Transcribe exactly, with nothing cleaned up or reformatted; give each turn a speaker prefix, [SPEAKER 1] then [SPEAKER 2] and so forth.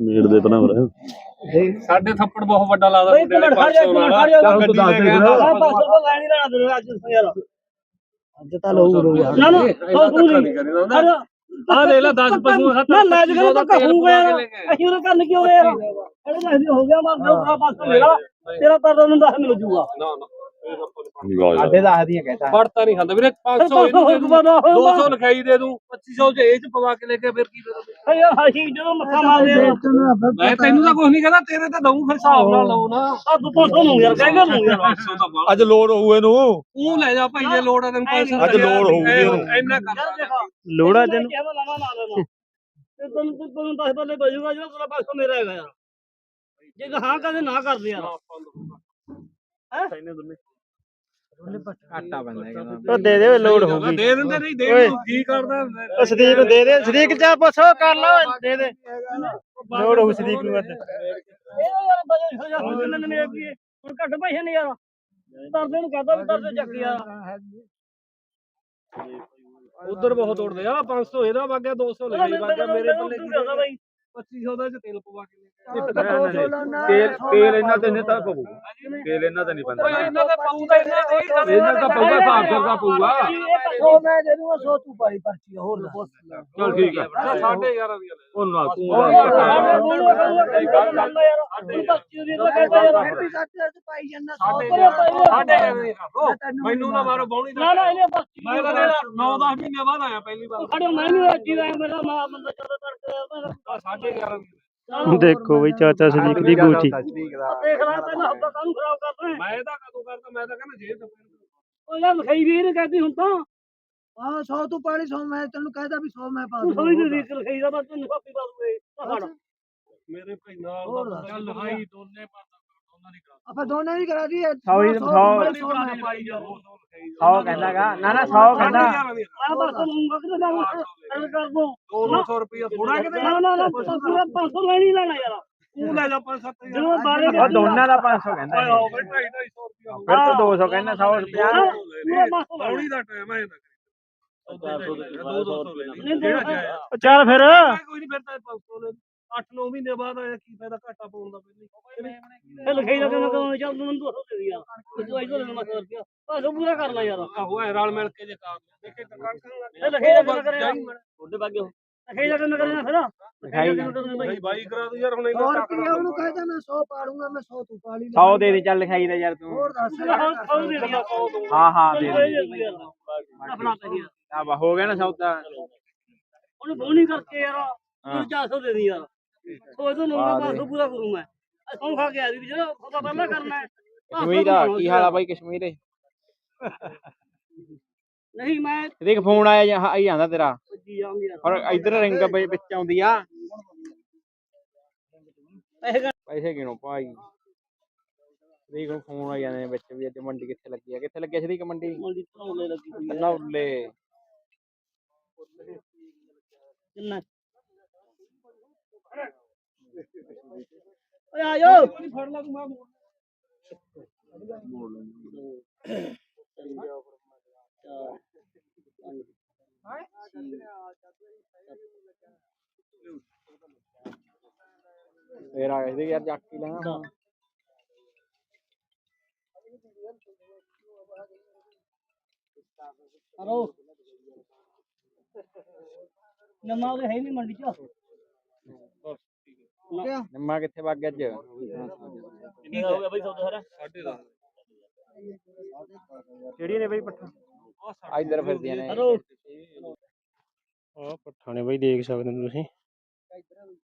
[SPEAKER 1] ਮੇੜ ਦੇ ਭਰਾ
[SPEAKER 2] ਸਾਡੇ ਥੱਪੜ ਬਹੁਤ ਵੱਡਾ ਲੱਗਦਾ
[SPEAKER 3] ਬਈ ਤੂੰ ਖੜ ਜਾ ਤੂੰ ਖੜ ਜਾ
[SPEAKER 2] ਗੱਡੀ ਲੈ ਕੇ
[SPEAKER 3] ਆ ਪਾਸ ਤੋਂ ਲੈਣ ਹੀ ਲੈਣਾ ਤੈਨੂੰ ਅੱਜ ਯਾਰ ਅੱਜ ਤਾਂ ਲਊ ਯਾਰ ਨਾ ਨਾ ਤੂੰ ਨਹੀਂ
[SPEAKER 2] ਆ ਦੇ ਲੈ ਦਸ ਪਸ਼ੂ
[SPEAKER 3] ਨਾ ਲੈ ਜਾ ਤਾਂ ਕਹੂਗਾ ਯਾਰ ਅਸੀਂ ਉਹ ਕਰਨ ਕਿਉਂ ਯਾਰ ਇਹਦੇ ਨਾਲ ਹੋ ਗਿਆ ਮੈਂ ਦੂਸਰਾ ਪਾਸਾ ਮੇਰਾ ਤੇਰਾ ਤਾਂ ਤੁਹਾਨੂੰ ਦਸ ਮਿਲ ਜੂਗਾ
[SPEAKER 2] ਨਾ ਨਾ
[SPEAKER 4] ਸਾਡੇ ਦਸ ਦੀਆਂ ਕਹਿੰਦਾ
[SPEAKER 2] ਫੜਤਾ ਨਹੀਂ ਖਾਂਦਾ ਵੀਰੇ ਪੰਜ ਸੌ ਇਹਨੂੰ ਦੇ ਦੂੰ ਦੋ ਸੌ ਲਿਖਾਈ ਦੇ ਦੂੰ ਪੱਚੀ ਸੌ ਚ ਇਹ ਚ ਪਵਾ ਕੇ ਲੈ ਕੇ ਫਿਰ ਕੀ ਦੇ
[SPEAKER 3] ਯਾਰ ਅਸੀਂ ਜਦੋਂ ਮੱਥਾ ਮਾਰਦੇ ਆ
[SPEAKER 2] ਮੈਂ ਤੈਨੂੰ ਤਾਂ ਕੁਝ ਨਹੀਂ ਕਹਿੰਦਾ ਤੇਰੇ ਤਾਂ ਦਊਂ ਫਿਰ ਹਿਸਾਬ ਨਾਲ ਲਓ ਨਾ
[SPEAKER 3] ਆ ਤੂੰ ਪੋਸੋ ਨੂੰ ਯਾਰ ਕਹਿੰਦਾ ਨੂੰ ਯਾਰ
[SPEAKER 4] ਅੱਜ ਲੋੜ ਹੋਊ ਇਹਨੂੰ
[SPEAKER 2] ਤੂੰ ਲੈ ਜਾ ਭਾਈ ਜੇ ਲੋੜ ਆ ਤੈਨੂੰ ਪੈਸੇ
[SPEAKER 4] ਅੱਜ ਲੋੜ ਹੋਊਗੀ ਇਹਨੂੰ
[SPEAKER 2] ਇੰਨਾ ਕਰ
[SPEAKER 3] ਲੋੜਾ ਤੈਨੂੰ ਕਿਹਦਾ ਲਾਵਾ ਲਾ ਲੈਣਾ ਤੇ ਤੈਨੂੰ ਤੈਨੂੰ ਦਸ ਬੱਲੇ ਬਜੂਗਾ ਜਿਹੜਾ ਤੇਰਾ ਪਾਸੋਂ ਮੇਰਾ ਹੈਗਾ ਯਾਰ ਜੇ ਹਾਂ ਕਦੇ ਨਾ ਕਰਦੇ ਯਾਰ ਹੈ
[SPEAKER 4] ਘਾਟਾ ਬੰਦਾ
[SPEAKER 3] ਉਹ ਦੇ ਦੇ ਲੋਡ ਹੋਊਗੀ
[SPEAKER 2] ਦੇ ਦਿੰਦੇ ਨਹੀਂ ਦੇ ਕੀ ਕਰਦਾ
[SPEAKER 3] ਉਹ ਸਦੀਕ ਨੂੰ ਦੇ ਦੇ ਸਦੀਕ ਚਾ ਪੁੱਛੋ ਕਰ ਲਓ ਦੇ ਦੇ ਲੋਡ ਹੋਊ ਸਦੀਕ ਨੂੰ ਅੱਜ ਇਹ ਯਾਰ ਬਜੇ ਹੋ ਜਾ ਹੁਣ ਘੱਟ ਪੈਸੇ ਨਹੀਂ ਯਾਰ ਤਰਦੇ ਨੂੰ ਕਹਦਾ ਵੀ ਤਰਦੇ ਚੱਕ ਯਾਰ
[SPEAKER 2] ਉਧਰ ਬਹੁਤ ਉੜਦੇ ਆ ਪੰਜ ਸੌ ਇਹਦਾ ਵਾਗਿਆ ਦੋ ਸੌ ਲੈ ਵਾਗਿਆ ਮੇਰੇ ਪੱਲੇ ਪੱਚੀ ਸੌ ਦਾ ਚ ਤੇਲ ਪਵਾ ਕੇ
[SPEAKER 4] ਤੇਲ ਤੇਲ ਇਹਨਾਂ ਤੇ ਨਹੀਂ ਤਾਂ ਪਊ ਤੇਲ ਇਹਨਾਂ ਤੇ ਨਹੀਂ ਪੈਂਦਾ
[SPEAKER 2] ਇਹਨਾਂ ਦਾ ਪਾਉਂਦਾ ਇਹਨਾਂ ਦੇ
[SPEAKER 4] ਇਹਨਾਂ ਦਾ ਪਊਗਾ ਹਿਸਾਬ ਕਰਦਾ ਪਊਗਾ
[SPEAKER 3] ਸੌ ਮੈਂ ਦੇ ਦੂੰਗਾ ਸੌ ਤੂੰ ਪਾਈ ਪਰਚੀ ਹੋਰ ਪੁੱਛ
[SPEAKER 4] ਚਲ ਠੀਕ ਹੈ
[SPEAKER 2] ਸਾਢੇ ਗਿਆਰਾਂ ਦੀ
[SPEAKER 4] ਉਹ ਨਾ ਤੂੰ
[SPEAKER 2] ਮੈਨੂੰ ਨਾ ਮਾਰੋ ਬੌਣੀ
[SPEAKER 3] ਨਾ ਨਾ ਇਹਨੇ ਪਰਚੀ
[SPEAKER 2] ਮੈਂ ਤਾਂ ਨੌ ਦਸ ਮਹੀਨੇ ਬਾਅਦ ਆਇਆ ਪਹਿਲੀ ਵਾਰ
[SPEAKER 3] ਖੜੋ ਮੈਂ ਨਹੀਂ ਅੱਜੀ ਦਾ ਮੇਰਾ ਮਾਂ ਬੰਦਾ ਚਲੋ ਤੜਕੇ
[SPEAKER 2] ਸਾਢੇ ਗਿਆਰਾਂ ਦੀ
[SPEAKER 5] ਦੇਖੋ ਬਈ ਚਾਚਾ ਸਦੀਕ ਦੀ ਗੋਚੀ
[SPEAKER 3] ਦੇਖ ਲੈ ਪਹਿਲਾਂ ਹੱਥਾਂ ਕਾਹਨੂੰ ਖਰਾਬ ਕਰਦਾ
[SPEAKER 2] ਮੈਂ ਇਹਦਾ ਕਦੋਂ ਕਰਦਾ ਮੈਂ ਤਾਂ ਕਹਿੰਦਾ ਜੇਬ
[SPEAKER 3] ਉਹ ਯਾਰ ਲਿਖਾਈ ਵੀ ਇਹਨੇ ਕਹਿੰਦੀ ਹੁਣ ਤਾਂ
[SPEAKER 6] ਹਾਂ ਸੌ ਤੂੰ ਪਾਣੀ ਸੌ ਮੈਂ ਤੈਨੂੰ ਕਹਿਦਾ ਵੀ ਸੌ ਮੈਂ ਪਾ
[SPEAKER 3] ਤੂੰ ਸਮਝ ਨਹੀਂ ਰੀਤ ਲਿਖਾਈ ਦਾ ਮੈਂ ਤੈਨੂੰ ਕਾਪੀ ਪਾ ਦੂੰਗੇ ਪਹਾੜ
[SPEAKER 2] ਮੇਰੇ ਭਾਈ ਨਾਲ ਚੱਲ ਲਹਾਈ ਦੋਨੇ ਪਾਸਾ ਦੋਨਾਂ ਦੀ ਕਰਾ
[SPEAKER 6] ਆਪਾਂ ਦੋਨੇ ਹੀ ਕਰਾ ਦਈਏ
[SPEAKER 5] ਸੌ ਹੀ ਸੌ
[SPEAKER 2] ਪਾਈ ਜਾ ਦੋ ਦੋ ਲਿਖਾਈ
[SPEAKER 5] ਸੌ ਕਹਿੰਦਾਗਾ ਨਾ ਨਾ ਸੌ ਕਹਿੰਦਾ
[SPEAKER 3] ਆ ਬਸ ਤੂੰ ਵਕਤ ਦਾ ਗੱਲ ਕਰ ਦੋ
[SPEAKER 2] ਦੋ ਸੌ ਰੁਪਇਆ ਥੋੜਾ ਕਿਤੇ
[SPEAKER 3] ਨਾ ਨਾ ਨਾ ਪੂਰਾ ਪੰਜ ਸੌ ਲੈਣੀ ਲੈਣਾ ਯਾਰ
[SPEAKER 2] ਤੂੰ ਲੈ ਜਾ ਪੰਜ ਸੱਤ ਹਜ਼ਾਰ
[SPEAKER 3] ਜਦੋਂ ਬਾਰੇ
[SPEAKER 5] ਉਹ ਦੋਨਾਂ ਦਾ ਪੰਜ ਸੌ ਕਹਿੰਦਾ
[SPEAKER 2] ਆਓ ਬਈ ਢਾਈ ਢਾਈ ਸੌ ਰੁਪਇਆ ਹੋ
[SPEAKER 5] ਫਿਰ ਤੂੰ ਦੋ ਸੌ ਕਹਿੰਦਾ ਸੌ ਰੁਪਿਆ
[SPEAKER 3] ਪੂਰਾ ਪੰਜ ਸੌ
[SPEAKER 2] ਬੌਣੀ ਦਾ ਟਾਈਮ ਹੈ ਇਹਦਾ ਦੋ ਦੋ ਸੌ ਲੈ ਲਈ ਜਿਹੜਾ ਜਾਇਆ
[SPEAKER 5] ਚੱਲ ਫਿਰ
[SPEAKER 2] ਕੋਈ ਨਹੀਂ ਫਿਰ ਤਾਂ ਪੰਜ ਸੌ ਲੈ ਅੱਠ ਨੌ ਮਹੀਨੇ ਬਾਅਦ ਆਇਆ ਕੀ ਫਾਇਦਾ ਘਾਟਾ ਪਾਉਣ ਦਾ ਪਹਿਲੇ
[SPEAKER 3] ਇਹ ਲਿਖਾਈ ਦਾ ਕਹਿੰਦਾ ਕਹਿੰਦਾ ਚੱਲ ਤੂੰ ਮੈਨੂੰ ਦੋ ਸੌ ਦੇ ਦੇ ਯਾਰ ਤੂੰ ਆਈ ਲੈਣਾ ਸੌ ਰੁਪਿਆ ਬਸ ਪੂਰਾ ਕਰ ਲੈ ਯਾਰ
[SPEAKER 2] ਆਹੋ ਐ ਰਲ ਮਿਲ ਕੇ ਜੇ ਕਰ ਦੇਖੇ ਦੁਕਾਨ
[SPEAKER 3] ਇਹ ਲਿਖਾਈ ਦਾ ਕਹਿੰਦਾ ਕਰਿਆ
[SPEAKER 2] ਤੁਹਾਡੇ ਬਾਗੇ
[SPEAKER 3] ਲਿਖਾਈ ਦਾ ਕਹਿੰਦਾ ਕਰਿਆ ਫਿਰ
[SPEAKER 2] ਭਾਈ ਬਾਈ ਕਰਾ ਦੂ ਯਾਰ ਹੁਣ
[SPEAKER 6] ਸੌ
[SPEAKER 2] ਇੰਨਾ
[SPEAKER 6] ਰੁਪਏ ਉਹਨੂੰ ਕਹਿਦਾ ਮੈਂ ਸੌ ਪਾੜੂੰਗਾ ਮੈਂ ਸੌ ਤੂੰ ਪਾ ਲਈ
[SPEAKER 5] ਸੌ ਦੇ ਦੇ ਚੱਲ ਲਿਖਾਈ ਦਾ ਯਾਰ ਤੂੰ
[SPEAKER 6] ਹੋਰ ਦੱਸ
[SPEAKER 5] ਹਾਂ ਹਾਂ ਦੇ ਦੇ
[SPEAKER 3] ਆਪਣਾ ਪੈਸੇ
[SPEAKER 5] ਆ ਵਾ ਹੋ ਗਿਆ ਨਾ ਸੌਦਾ
[SPEAKER 3] ਉਹਨੂੰ ਬੋਣੀ ਕਰਕੇ ਯਾਰ ਤੂੰ ਚਾਰ ਸੌ ਦੇ ਦੇ ਯਾਰ ਸੌ ਤੋਂ ਨੌ ਪੰਜ ਸੌ ਪੂਰਾ ਕਰੂੰ ਮੈਂ ਸੌ ਖਾ ਕੇ ਆ ਵੀ ਜਿਹੜਾ ਉਹਦਾ ਪਹਿਲਾਂ ਕਰਨਾ ਹੈ
[SPEAKER 5] ਕਸ਼ਮੀਰ ਆ ਕੀ ਹਾਲ ਆ ਬਾਈ ਕਸ਼ਮੀਰ
[SPEAKER 3] ਨਹੀਂ ਮੈਂ
[SPEAKER 5] ਦੇਖ ਫੋਨ ਆਇਆ ਜਾਂ ਆਈ ਜਾਂਦਾ ਤੇਰਾ
[SPEAKER 3] ਜੀ ਜਾਉਂਗੀ ਯਾਰ
[SPEAKER 5] ਔਰ ਇਧਰ ਰਿੰਗ ਵਿੱਚ ਆਉਂਦੀ ਆ
[SPEAKER 3] ਪੈਸੇ
[SPEAKER 5] ਪੈਸੇ ਕਿਨੋਂ ਭਾਈ ਸਦੀਕ ਨੂੰ ਫੋਨ ਆ ਜਾਂਦੇ ਨੇ ਵਿੱਚ ਵੀ ਅੱਜ ਮੰਡੀ ਕਿੱਥੇ ਲੱਗੀ ਆ ਕਿੱਥੇ ਲੱਗੀ ਆ ਸਦੀਕ ਮੰਡੀ
[SPEAKER 3] ਮੰਡੀ ਧੌਲੇ ਲੱਗੀ ਹੋਈ ਹੈ
[SPEAKER 5] ਨੌਲੇ
[SPEAKER 3] ਕਿੰਨਾ ਓਏ ਆਇਓ
[SPEAKER 2] ਫੜ ਲਾ ਤੂੰ ਮੈਂ ਮੋੜ
[SPEAKER 5] ਫੇਰ ਆ ਗਏ ਯਾਰ ਜੱਕ ਹੀ ਲੈਣਾ
[SPEAKER 3] ਹਲੋ ਨਮਾ ਉਹ ਹੈ ਨਹੀਂ ਮੰਡੀ ਚ
[SPEAKER 5] ਨਿੰਮਾ ਕਿੱਥੇ ਵਗ ਗਿਆ ਅੱਜ
[SPEAKER 3] ਕਿੰਨਾ ਹੋ ਗਿਆ ਬਈ ਸੌਦਾ ਸਾਰਾ
[SPEAKER 2] ਸਾਢੇ ਦਸ
[SPEAKER 5] ਕਿਹੜੀ ਨੇ ਬਈ ਪੱਠਾ ਇਧਰ ਫਿਰਦੀਆਂ ਨੇ
[SPEAKER 3] ਹਲੋ
[SPEAKER 5] ਆ ਪੱਠਾ ਨੇ ਬਈ ਦੇਖ ਸਕਦੇ ਹੋ ਤੁਸੀਂ